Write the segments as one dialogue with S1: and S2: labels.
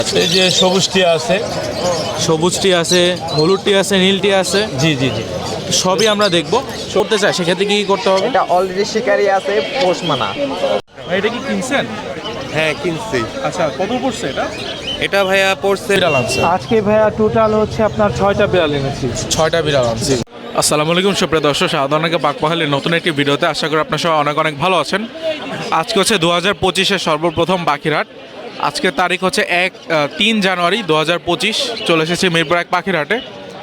S1: এই যে সবুজ টিয়া আছে,
S2: সবুজ টি আছে, হলুদ টি আছে, নীল টি আছে,
S1: জি জি জি।
S2: সবই আমরা দেখবো। করতে চাই সেক্ষেত্রে কি করতে হবে?
S3: এটা অলরেডি শিকারি আছে পোষ মানা।
S2: এটা কি কিনছেন?
S4: হ্যাঁ কিনছি।
S2: আচ্ছা, কত পড়ছে এটা?
S4: এটা ভাইয়া পড়ছে
S2: বিড়াল আনছে,
S5: আজকে ভাইয়া টোটাল হচ্ছে আপনার 6টা বিড়াল এনেছি।
S2: 6টা বিড়াল আনছে। আসসালামু আলাইকুম সুপ্রিয় দর্শক, সাধারণকে পাকপাহালের নতুন একটি ভিডিওতে আশা করি আপনার সবাই অনেক অনেক ভালো আছেন। আজকে হচ্ছে 2025-এর সর্বপ্রথম পাখিরহাট। আজকের তারিখ হচ্ছে 3 জানুয়ারি 2025। চলে এসেছি মিরপুর 1 পাখিরহাটে।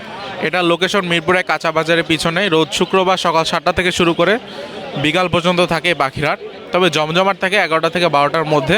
S2: এটা লোকেশন মিরপুর 1 কাঁচা বাজারের পিছনে। রোজ শুক্রবার সকাল 7টা থেকে শুরু করে বিকাল পর্যন্ত থাকে এই পাখিরহাট, তবে জমজমাট থাকে 11টা থেকে 12টার মধ্যে।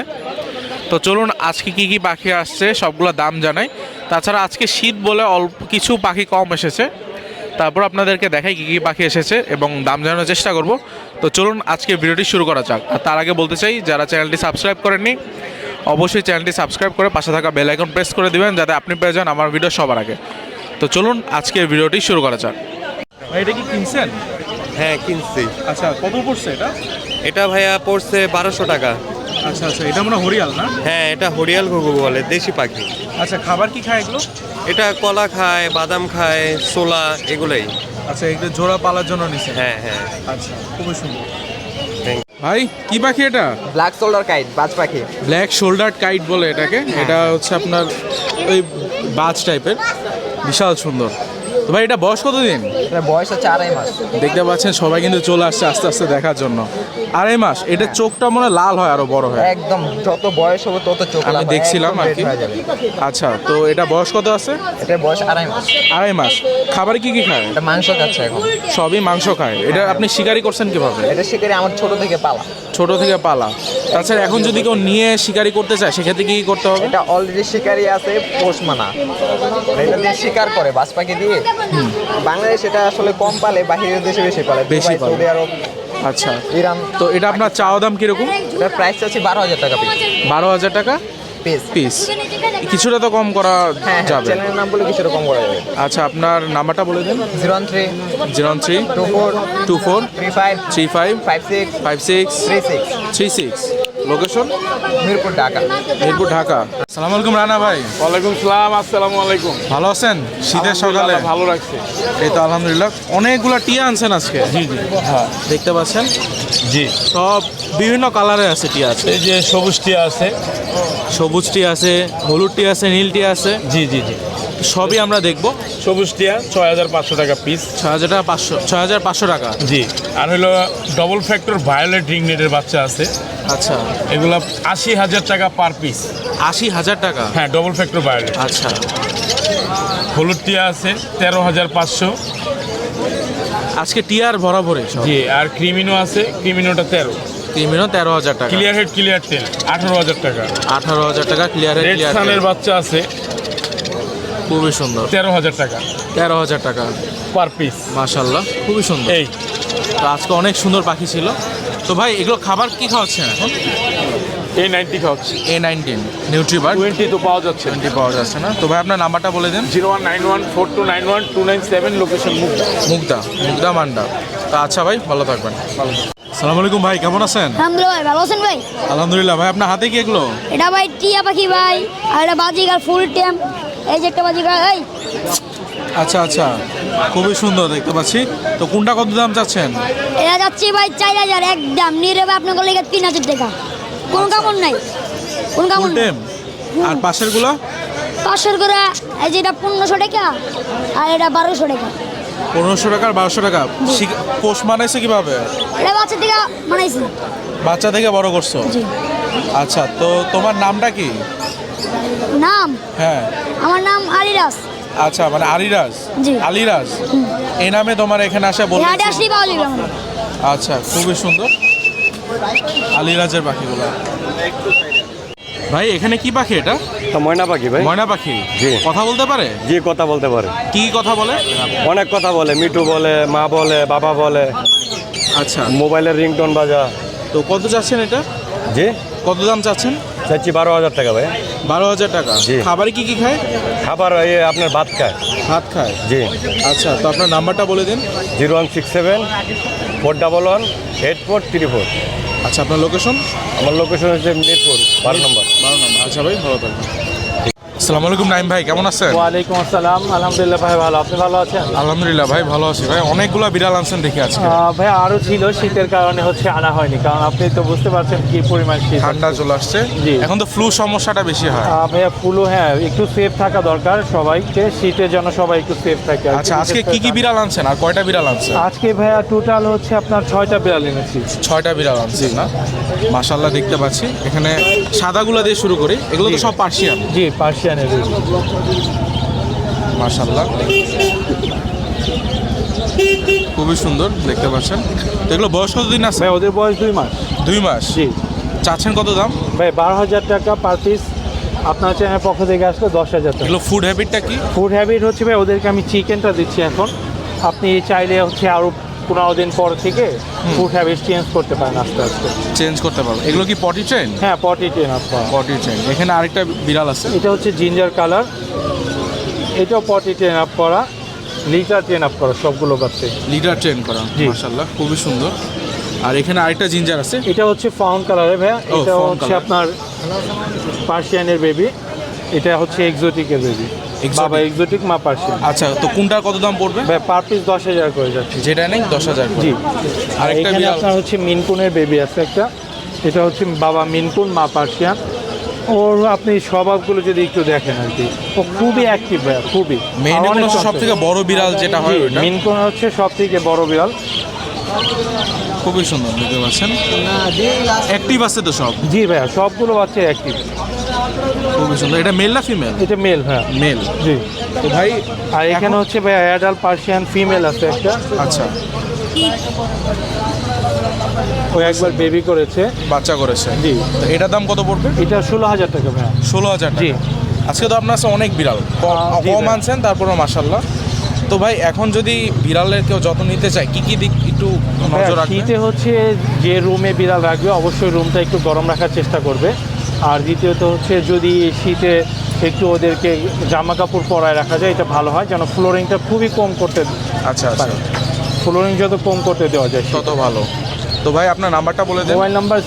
S2: তো চলুন আজকে কি কি পাখি আসছে সবগুলো দাম জানাই। তাছাড়া আজকে শীত বলে অল্প কিছু পাখি কম এসেছে, তারপর আপনাদেরকে দেখাই কী কী পাখি এসেছে এবং দাম জানানোর চেষ্টা করব। তো চলুন আজকে ভিডিওটি শুরু করা যাক। আর তার আগে বলতে চাই, যারা চ্যানেলটি সাবস্ক্রাইব করেননি অবশ্যই চ্যানেলটি সাবস্ক্রাইব করে পাশে থাকা বেল আইকন প্রেস করে দিবেন, যাতে আপনি পেয়ে যান আমার ভিডিও সবার আগে। তো চলুন আজকের ভিডিওটি শুরু করা যাক। এটা কি কিনছেন?
S4: হ্যাঁ কিনছি।
S2: আচ্ছা, কত পড়ছে এটা?
S4: এটা ভাইয়া পড়ছে 1200 টাকা।
S2: আচ্ছা আচ্ছা, এটা মনে হরিয়াল না?
S4: হ্যাঁ এটা হরিয়াল ঘুঘু বলে, দেশি পাখি।
S2: আচ্ছা, খাবার কি খায় এগুলো?
S4: এটা কলা খায়, বাদাম খায়, ছোলা এগুলাই।
S2: আচ্ছা, এগুলো জোড়া পালার জন্য নিছেন?
S4: হ্যাঁ হ্যাঁ।
S2: আচ্ছা, খুবই সুন্দর।
S4: Thank
S2: ভাই কি পাখি এটা?
S3: ব্ল্যাক শোল্ডার কাইট বাজ পাখি।
S2: ব্ল্যাক শোল্ডার কাইট বলে এটাকে। এটা হচ্ছে আপনার ওই বাজ টাইপের, বিশাল সুন্দর। তো ভাই এটা বয়স কতদিন?
S3: এটা বয়স হচ্ছে 2.5 মাস।
S2: দেখতে পাচ্ছেন সবাই কিন্তু চলে আসছে আস্তে আস্তে দেখার জন্য। 2.5 মাস। এটা চোখটা মনে হয় লাল হয়, আরো বড় হয়।
S3: একদম যত বয়স হবে তত চোখ
S2: আমি
S3: লাল হয়,
S2: দেখছিলাম
S3: একদম
S2: আর
S3: red
S2: কি।
S3: হয়ে যাবে।
S2: আচ্ছা, তো এটা বয়স কত আছে?
S3: এটার বয়স 2.5 মাস।
S2: 2.5 মাস। খাবার কি কি খায়?
S3: এটা মাংস খাচ্ছে এখন।
S2: সবই মাংস খায়। এটা আপনি শিকারি করছেন কিভাবে?
S3: এটা শিকারি আমার ছোট থেকে পালা।
S2: ছোট থেকে পালা। তাছাড়া এখন যদি কেউ নিয়ে শিকারি করতে চায় সেক্ষেত্রে কি কি করতে হবে?
S3: এটা অলরেডি শিকারি আছে পোষ মানা। এটা দিয়ে শিকার করে বাজ পাখি দিয়ে। বাংলাদেশ এটা আসলে কম পালে, বাহিরের দেশে বেশি পালে,
S2: বেশি
S3: দুবাই,
S2: পালে।
S3: সৌদি আরব,
S2: আচ্ছা,
S3: ইরান।
S2: তো এটা আপনার চাওয়া দাম কিরকম?
S3: এটার প্রাইস আছে 12,000 টাকা পিস।
S2: 12,000 টাকা
S3: পিস।
S2: পিস। কিছুটা তো কম করা
S3: হ্যাঁ
S2: যাবে।
S3: চ্যানেলের নাম বলে কিছু রকম করা যাবে।
S2: আচ্ছা, আপনার নাম্বারটা বলে দিন।
S3: 013
S2: 03
S3: 24
S2: 24
S3: 35
S2: 35
S3: 56
S2: 56
S3: 36
S2: 36। লোকেশন
S3: মিরপুর, ঢাকা।
S2: মিরপুর, ঢাকা। আসসালামু আলাইকুম রানা ভাই।
S5: ওয়ালাইকুম সালাম। আসসালামু আলাইকুম।
S2: ভালো আছেন? শীতের সকালে
S5: ভালো রাখছে।
S2: এই তো আলহামদুলিল্লাহ। অনেকগুলো টিয়া আনছেন আজকে।
S1: জি জি
S2: হ্যাঁ, দেখতে পাচ্ছেন
S1: জি।
S2: সব বিভিন্ন কালারের আছে টিয়া আছে।
S1: এই যে সবুজ টিয়া আছে,
S2: সবুজ টি আছে, হলুদ টি আছে, নীল টি আছে,
S1: জি জি জি।
S2: সবই আমরা দেখবো।
S1: সবুজ টিয়া 6,500 টাকা পিস।
S2: 6,500 টাকা।
S1: জি। আর হলো ডবল ফ্যাক্টর ভায়োলেট রিংনেটের বাচ্চা আছে,
S2: আচ্ছা,
S1: এগুলো 80,000 টাকা পার পিস।
S2: 80,000 টাকা।
S1: হ্যাঁ, ডবল ফ্যাক্টর ভায়োলেট।
S2: আচ্ছা,
S1: হলুদ টিয়া আছে 13,500।
S2: আজকে টিয়ার ভরাভরে সব।
S1: জি। আর ক্রিমিনো আছে, ক্রিমিনোটা 13।
S2: ক্রিমিনো 13,000 টাকা।
S1: ক্লিয়ার হেড ক্লিয়ার টেল 18,000 টাকা।
S2: 18,000 টাকা ক্লিয়ার।
S1: রেড সানের বাচ্চা আছে
S2: খুবই সুন্দর।
S1: 13,000 টাকা
S2: 13,000 টাকা
S1: পার পিস।
S2: মাশাআল্লাহ, খুবই সুন্দর।
S1: এই
S2: তো আজকে অনেক সুন্দর পাখি ছিল। তো ভাই এগুলো খাবার কি খাওয়াচ্ছেন এখন?
S1: A90 খাওয়াচ্ছি।
S2: A19 নিউট্রিবার
S1: 20 তো পাওয়া যাচ্ছে।
S2: 20 পাওয়া যাচ্ছে না। তো ভাই আপনার নাম্বারটা বলে দেন।
S1: 01914291 লোকেশন
S2: মুগদা মান্ডা। তো আচ্ছা ভাই, ভালো থাকবেন। আসসালামু আলাইকুম ভাই, কেমন আছেন?
S6: আলহামদুলিল্লাহ ভাই, ভালো আছেন ভাই?
S2: আলহামদুলিল্লাহ ভাই। আপনার হাতে কি এগুলো?
S6: এটা ভাই টিয়া পাখি ভাই, আর এটা বাজিকার ফুল টেম। এই যে একটা বাজিকার, এই
S2: আচ্ছা আচ্ছা, খুবই সুন্দর দেখতে পাচ্ছি। তো কোনটা কত দাম চাচ্ছেন?
S6: এটা যাচ্ছে ভাই 4,000 একদম নিরেবে আপনার লেগে 3,000 টাকা। কোন কামড় নাই, কোন কামড়
S2: ফুল
S6: নাই।
S2: টেম। আর পাশের গুলো?
S6: 500 করে। এই যে এটা 1500 টাকা আর এটা 1200 টাকা।
S2: 1500 টাকা আর 1200 টাকা। পোষ মানাইছে কিভাবে?
S6: এটা বাচ্চা থেকে বানাইছি।
S2: বাচ্চা থেকে বড় করছো?
S6: জি।
S2: আচ্ছা, তো তোমার নামটা কি?
S6: নাম?
S2: হ্যাঁ।
S6: আমার নাম আলিরাজ।
S2: আচ্ছা, মানে আলিরাজ।
S6: জি।
S2: আলিরাজ এই নামে তোমার এখানে আসা বলে?
S6: এটা আসলেই পাওয়া যাবে আমার।
S2: আচ্ছা, খুবই সুন্দর আলিরাজের পাখিগুলো। ভাই এখানে কি পাখি এটা?
S4: ময়না পাখি ভাই।
S2: ময়না পাখি।
S4: জি।
S2: কথা বলতে পারে?
S4: জি কথা বলতে পারে।
S2: কি কথা বলে?
S4: অনেক কথা বলে, মিঠু বলে, মা বলে, বাবা বলে,
S2: আচ্ছা,
S4: মোবাইলের রিংটোন বাজা।
S2: তো কত চাচ্ছেন এটা?
S4: জি
S2: কত দাম চাচ্ছেন?
S4: চাচ্ছি 12,000 টাকা ভাই।
S2: 12,000 টাকা।
S4: জি।
S2: খাবারে কি কি খায়?
S4: খাবার এই আপনার ভাত খায়।
S2: ভাত খায়।
S4: জি।
S2: আচ্ছা, তো আপনার নাম্বারটা বলে দিন।
S4: 0167 411 8434।
S2: আচ্ছা, আপনার লোকেশন?
S4: আমার লোকেশন হচ্ছে মিরপুর 12 নম্বর।
S2: 12 নম্বর। আচ্ছা ভাই, ভালো থাকবেন। আসসালামু আলাইকুম নাইম ভাই, কেমন আছেন?
S5: ওয়ালাইকুম আসসালাম, আলহামদুলিল্লাহ ভাই ভালো, আপনি ভালো আছেন?
S2: আলহামদুলিল্লাহ ভাই ভালো আছি ভাই। অনেকগুলো বিড়াল আনছেন দেখি আজকে।
S5: ভাই আরো ছিল, শীতের কারণে হচ্ছে আনা হয়নি, কারণ আপনি তো বুঝতে পারছেন কি পরিমাণ শীত।
S2: ঠান্ডা চলে আসছে,
S5: জি।
S2: এখন তো ফ্লু সমস্যাটা বেশি হয়।
S5: ভাইয়া ফুলও হ্যাঁ একটু সেফ থাকা দরকার সবাইকে, শীতের জন্য সবাই একটু সেফ থাকে আর কি।
S2: আচ্ছা, আজকে কি কি বিড়াল আনছেন আর কয়টা বিড়াল আনছেন?
S5: আজকে ভাইয়া টোটাল হচ্ছে আপনার 6টা বিড়াল এনেছি।
S2: 6টা বিড়াল আনছেন না? মাশাআল্লাহ দেখতে পাচ্ছি। এখানে সাদাগুলো দিয়ে শুরু করি, এগুলো তো সব পার্সিয়ান।
S5: জি, পার্সিয়ানের
S2: মাশাআল্লাহ খুবই সুন্দর দেখতে পাচ্ছেন। তো এগুলো বয়স কতদিন আছে?
S5: ভাই ওদের বয়স 2 মাস।
S2: 2 মাস।
S5: জি।
S2: চাচ্ছেন কত দাম?
S5: ভাই 12,000 টাকা পার পিস। আপনার চ্যানেলের পক্ষ থেকে আসলে 10,000 টাকা।
S2: এগুলো ফুড হ্যাবিটটা কি?
S5: ফুড হ্যাবিট হচ্ছে ভাই ওদেরকে আমি চিকেনটা দিচ্ছি এখন। আপনি চাইলে হচ্ছে আরও 15 দিন পর থেকে ফুড হ্যাবিট চেঞ্জ করতে পারেন আস্তে আস্তে।
S2: চেঞ্জ করতে পারবো। এগুলো কি পটি ট্রেন?
S5: হ্যাঁ, পটি ট্রেন আপনার।
S2: Potty train. এখানে আরেকটা বিড়াল আছে,
S5: এটা হচ্ছে জিঞ্জার কালার, এটাও পটি ট্রেন আপ করা, লিটার ট্রেন আপ করা, সবগুলো বাচ্চা
S2: লিডার ট্রেন করা।
S5: জি।
S2: মাশাআল্লাহ খুবই সুন্দর। আর এখানে আরেকটা জিঞ্জার আছে।
S5: এটা হচ্ছে ফাউন্ড কালারে ভাইয়া, এটা
S2: fawn
S5: হচ্ছে
S2: color।
S5: আপনার পার্সিয়ানের বেবি, এটা হচ্ছে এক্সোটিকের বেবি।
S2: Exotic?
S5: বাবা এক্সোটিক, মা পার্সিয়ান।
S2: আচ্ছা, তো কোনটার কত দাম পড়বে?
S5: ভাই পার পিস 10,000 করে যাচ্ছে।
S2: যেটা নেই 10,000 করে।
S5: জি। আর
S2: আরেকটা
S5: এখানে
S2: বিড়াল।
S5: আপনার হচ্ছে মিনকুনের বেবি আছে একটা, এটা হচ্ছে বাবা মিনকুন, মা পার্সিয়ান। ওর আপনি স্বভাবগুলো যদি একটু দেখেন আর কি, ও খুবই অ্যাক্টিভ ভাইয়া, খুবই।
S2: মেইন
S5: অনেক
S2: সব থেকে বড় বিড়াল যেটা হয়
S5: জি,
S2: ওটা
S5: মিনকুন হচ্ছে সব থেকে বড় বিড়াল।
S2: খুবই সুন্দর দেখতে পাচ্ছেন। অ্যাক্টিভ আছে তো সব?
S5: জি ভাইয়া, সবগুলো বাচ্চা অ্যাক্টিভ।
S2: খুবই সুন্দর। এটা মেল না ফিমেল?
S5: এটা মেল ভাইয়া।
S2: মেল।
S5: জি।
S2: তো ভাই
S5: আর এখানে হচ্ছে ভাইয়া অ্যাডাল্ট পার্সিয়ান ফিমেল আছে একটা,
S2: আচ্ছা,
S5: ও একবার বেবি করেছে।
S2: বাচ্চা করেছে।
S5: জি।
S2: তো এটার দাম কত পড়বে?
S5: এটা 16,000 টাকা ভাইয়া।
S2: 16,000
S5: জি।
S2: টাকা। আজকে তো আপনার কাছে অনেক বিড়াল
S5: জি
S2: কম
S5: ভাই।
S2: আনছেন, তারপরে মাশাআল্লাহ। তো ভাই এখন যদি বিড়ালের কেউ যত্ন নিতে চায় কি কি দিক একটু নজর রাখবে?
S5: শীতে হচ্ছে যে রুমে বিড়াল রাখবে অবশ্যই রুমটা একটু গরম রাখার চেষ্টা করবে। আর দ্বিতীয়ত হচ্ছে যদি শীতে একটু ওদেরকে জামা কাপড় পরায় রাখা যায়, এটা ভালো হয়, যেন ফ্লোরিংটা খুবই কম করতে
S2: আচ্ছা আচ্ছা,
S5: পারে। ফ্লোরিং যত কম করতে দেওয়া যায়
S2: তত ভালো। তো ভাই আপনার নাম্বারটা বলে দেন।
S5: Mobile number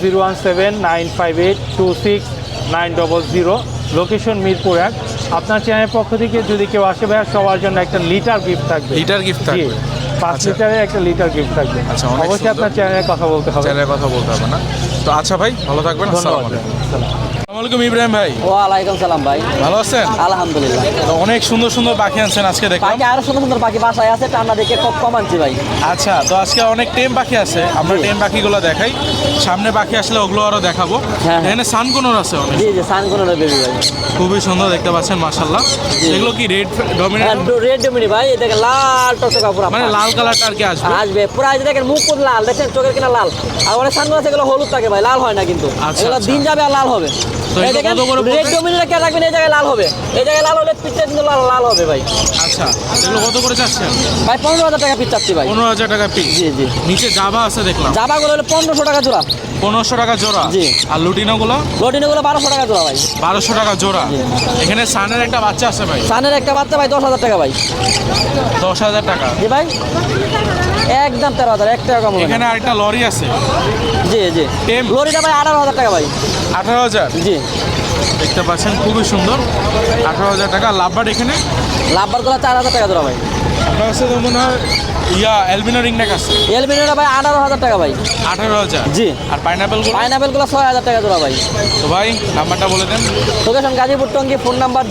S5: 017-958-26-900, location Mirpur 1। আপনার চ্যানেলের পক্ষ থেকে যদি কেউ আসে ভাইয়া, সবার জন্য একটা লিটার গিফট থাকবে।
S2: লিটার গিফট
S5: জি,
S2: থাকবে?
S5: 5
S2: আচ্ছা।
S5: লিটারের একটা লিটার গিফট থাকবে।
S2: আচ্ছা, অনেক
S5: অবশ্যই
S2: সুন্দর।
S5: আপনার চ্যানেলের কথা বলতে হবে।
S2: চ্যানেলের কথা বলতে হবে না তো? আচ্ছা ভাই, ভালো থাকবেন।
S5: ধন্যবাদ।
S2: আসসালামু আলাইকুম ইব্রাহিম ভাই,
S7: ওয়ালাইকুম সালাম ভাই,
S2: ভালো আছেন?
S7: আলহামদুলিল্লাহ।
S2: তো অনেক সুন্দর সুন্দর পাখি আনছেন আজকে দেখলাম।
S7: পাখি আরো সুন্দর সুন্দর পাখি বাসায় আছে, ঠান্ডা দেখে খুব কম আনছি ভাই।
S2: আচ্ছা, তো আজকে অনেক টেম পাখি আছে, আমরা
S7: জি।
S2: টেম পাখিগুলো দেখাই। সামনে পাখি আসলে ওগুলো আরো দেখাবো।
S7: হ্যাঁ।
S2: এখানে সানকোনর আছে অনেক,
S7: জি জি, সানকোনের বেবি ভাই।
S2: খুবই সুন্দর দেখতে পাচ্ছেন মাশাআল্লাহ। এগুলো কি রেড ডমিনেট?
S7: রেড ডমিনি ভাই, এই দেখেন লাল টকটকা পুরো,
S2: মানে লাল কালারটা আর কি আসবে?
S7: আসবে পুরো। এই যে দেখেন মুখ পুরো লাল, দেখেন চোখের কিনা লাল। আর অনেক সানকোন আছে এগুলো হলুদ থাকে ভাই, লাল হয় না কিন্তু।
S2: আচ্ছা,
S7: এগুলো
S2: আচ্ছা।
S7: দিন যাবে আর লাল হবে।
S2: তো
S7: এই
S2: এগুলো
S7: দেখেন
S2: কত করে পড়বে?
S7: রেড ডমিনিটা কে রাখবেন, এই জায়গায় লাল হবে, এই জায়গায় লাল হলে পিঠটা কিন্তু লাল লাল হবে ভাই।
S2: আচ্ছা, এগুলো কত করে চাচ্ছেন?
S7: ভাই 15,000 টাকা পিস চাচ্ছি ভাই।
S2: 15,000 টাকা পিস।
S7: জি জি।
S2: নিচে জাভা আছে দেখলাম,
S7: জাবাগুলো হলো 1500 টাকা জোড়া।
S2: 1500 টাকা জোড়া।
S7: জি।
S2: আর লুটিনোগুলো
S7: লটিনোগুলো 1200 টাকা জোড়া ভাই।
S2: 1200 টাকা জোড়া।
S7: জি।
S2: এখানে সানের একটা বাচ্চা আছে ভাই,
S7: সানের একটা বাচ্চা ভাই 10,000 টাকা ভাই।
S2: 10,000 টাকা।
S7: জি ভাই, একদম 13,000, 1 টাকা কম হবে না।
S2: এখানে আরেকটা লরি আছে,
S7: জি জি।
S2: টেম।
S7: লরিটা ভাই 18,000 টাকা ভাই।
S2: 18,000।
S7: জি।
S2: দেখতে পাচ্ছেন খুবই সুন্দর, 18,000 টাকা। লাভবার্ড এখানে
S7: লাভবারগুলো 4,000 টাকা জোড়া ভাই।
S2: আপনার কাছে তো মনে হয় অ্যালবিনো রিংনেক আছে,
S7: এলবিনোটা ভাই 18,000 টাকা ভাই।
S2: 18,000।
S7: জি।
S2: আর পাইনাপেলগুলো?
S7: পাইনাপেলগুলো 6,000 টাকা জোড়া ভাই।
S2: তো ভাই নাম্বারটা বলে দেন।
S7: Location Gazipur Tongi, phone number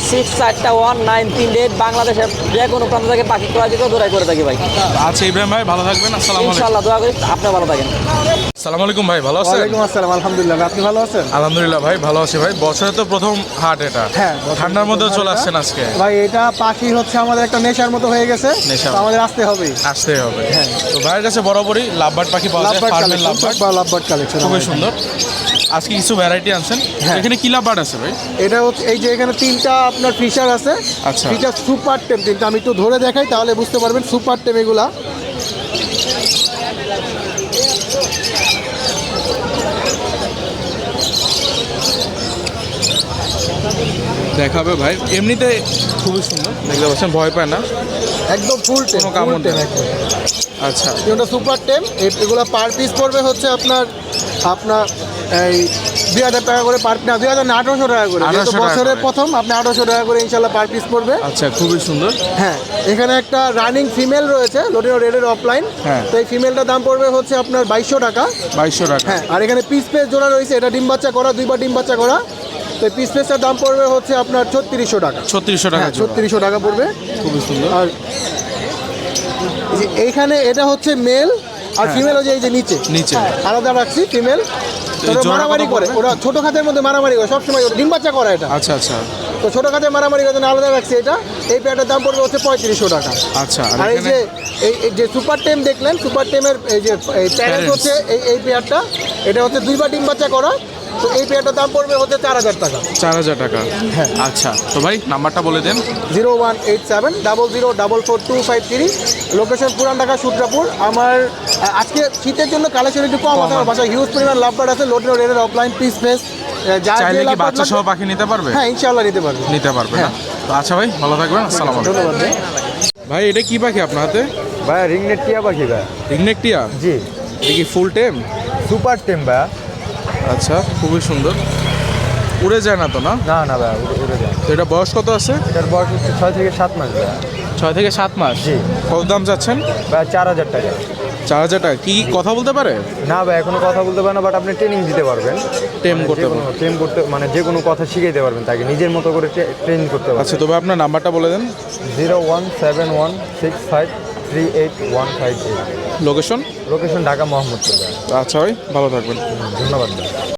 S7: 016411938। বাংলাদেশের যে কোনো প্রান্ত থেকে পাখি ক্রয় দিকেও দৌড়াই করে থাকি ভাই।
S2: আচ্ছা ইব্রাহিম ভাই, ভালো থাকবেন। আসসালামু আলাইকুম।
S7: ইনশাআল্লাহ, দোয়া করি আপনি ভালো থাকেন।
S2: আসসালামু আলাইকুম ভাই, ভালো আছেন?
S5: ওয়ালাইকুম আসসালাম, আলহামদুলিল্লাহ। আপনি ভালো আছেন?
S2: আলহামদুলিল্লাহ ভাই, ভালো আছি ভাই। বছরে তো প্রথম হাট এটা,
S8: হ্যাঁ,
S2: ঠান্ডার মধ্যেও চলে আসছেন আজকে।
S8: ভাই এটা পাখি হচ্ছে আমাদের একটা নেশার মতো হয়ে গেছে,
S2: নেশা।
S8: তো আমাদের আসতে হবে।
S2: আসতেই হবে। তো ভাইয়ের কাছে বরাবরই লাভবার্ড পাখি পাওয়া যায়,
S8: লাভবার্ড
S2: ফার্মের
S8: কালেকশন,
S2: লাভবার্ড,
S8: লাভবার্ড কালেকশন
S2: খুবই সুন্দর। আজকে কিছু ভ্যারাইটি আনছেন।
S8: হ্যাঁ।
S2: এখানে কি লাভবার্ড আছে ভাই?
S8: এটা হচ্ছে এই যে এখানে 3টা আপনার ফিশার আছে।
S2: আচ্ছা।
S8: ফিশার সুপার টেম 3টা, আমি একটু ধরে দেখাই তাহলে বুঝতে পারবেন সুপার টেম এগুলা।
S2: দেখাবে ভাই, এমনিতে খুবই সুন্দর দেখতে পাচ্ছেন, ভয় পায় না,
S8: একদম ফুল টেম,
S2: কোনো কামড়
S8: টেম
S2: নেই।
S8: একদম।
S2: আচ্ছা,
S8: এটা সুপার টেম, এগুলো পার পিস পড়বে হচ্ছে আপনার এই 2000 টাকা করে পার না 2000 না 1800 টাকা করে
S2: 1800
S8: যেহেতু
S2: টাকা
S8: বছরের
S2: করে।
S8: প্রথম আপনি 1800 টাকা করে ইনশাল্লাহ পার পিস পড়বে।
S2: আচ্ছা, খুবই সুন্দর।
S8: হ্যাঁ, এখানে একটা রানিং ফিমেল রয়েছে লোটিনো রেডের অফলাইন।
S2: হ্যাঁ।
S8: তো এই ফিমেলটার দাম পড়বে হচ্ছে আপনার 2200 টাকা।
S2: 2200 টাকা।
S8: হ্যাঁ, আর এখানে পিস পেস জোড়া রয়েছে, এটা ডিম বাচ্চা করা, 2বার ডিম বাচ্চা করা। তো এই পিস পেসটার দাম পড়বে হচ্ছে আপনার 3600 টাকা।
S2: 3600 টাকা
S8: হ্যাঁ,
S2: জোড়া।
S8: 3600 টাকা পড়বে।
S2: খুবই সুন্দর।
S8: আর এই যে এইখানে এটা হচ্ছে মেল আর ফিমেল হচ্ছে এই যে নিচে
S2: নিচে।
S8: আলাদা রাখছি ফিমেল। ওরা
S2: জোড়া
S8: মারামারি
S2: কত
S8: করে,
S2: পড়বে?
S8: ওরা ছোট খাতের মধ্যে মারামারি করে সবসময়, ওরা ডিম বাচ্চা করে এটা।
S2: আচ্ছা আচ্ছা
S8: তো ছোট খাতে মারামারি করে জন্য আলাদা রাখছি এটা। এই পেয়ারটার দাম পড়বে হচ্ছে 3500 টাকা।
S2: আচ্ছা।
S8: আর এই যে এই যে সুপার টেম দেখলেন, সুপার টেমের এই যে প্যারেন্ট
S2: Parents।
S8: হচ্ছে এই পেয়ারটা, এটা হচ্ছে 2বার ডিম বাচ্চা করা। তো এই পেয়ারটার দাম পড়বে হচ্ছে 4000 টাকা।
S2: 4000 টাকা।
S8: হ্যাঁ।
S2: আচ্ছা, তো ভাই নাম্বারটা বলে দেন।
S8: 0187004253, লোকেশন পুরান ঢাকা সূত্রাপুর। আমার আজকে শীতের জন্য কালেকশন একটু কম আছে, আমার বাসায় হিউজ পরিমাণ লাভবার্ড আছে, লোটিনো রেডের অফলাইন পিস ফেস।
S2: চাইলে কি বাচ্চা সহ পাখি নিতে পারবে?
S8: হ্যাঁ, ইনশাআল্লাহ নিতে পারবে।
S2: নিতে পারবে না? তো আচ্ছা ভাই, ভালো থাকবেন। আসসালামু আলাইকুম।
S8: ধন্যবাদ ভাই।
S2: ভাই, এটা কি পাখি আপনার হাতে?
S3: ভাই রিংনেট টিয়া পাখি ভাই।
S2: রিংনেক টিয়া?
S3: জি,
S2: এটা কি ফুল টেম?
S3: সুপার টেম ভাই।
S2: আচ্ছা, খুবই সুন্দর। উড়ে যায় না তো না?
S3: না না ভাই, উড়ে যায়।
S2: তো এটা বয়স কত আছে?
S3: এটার বয়স হচ্ছে 6 থেকে 7 মাস ভাই।
S2: 6 থেকে 7 মাস।
S3: জি।
S2: কত দাম চাচ্ছেন?
S3: ভাই 4000 টাকা।
S2: 4000 টাকা। কি কথা বলতে পারে?
S3: না ভাই, এখনো কথা বলতে পারে না, বাট আপনি ট্রেনিং দিতে পারবেন।
S2: টেম করতে পারবে।
S3: ট্রেন করতে মানে যে কোনো কথা শিখাইতে পারবেন তাকে, নিজের মতো করে ট্রেনিং করতে পারবেন।
S2: আচ্ছা, তবে আপনার নাম্বারটা বলে দেন।
S3: 01716538158।
S2: লোকেশন?
S3: লোকেশন ঢাকা মোহাম্মদপুর ভাই।
S2: আচ্ছা ভাই, ভালো থাকবেন।
S3: ধন্যবাদ ভাই।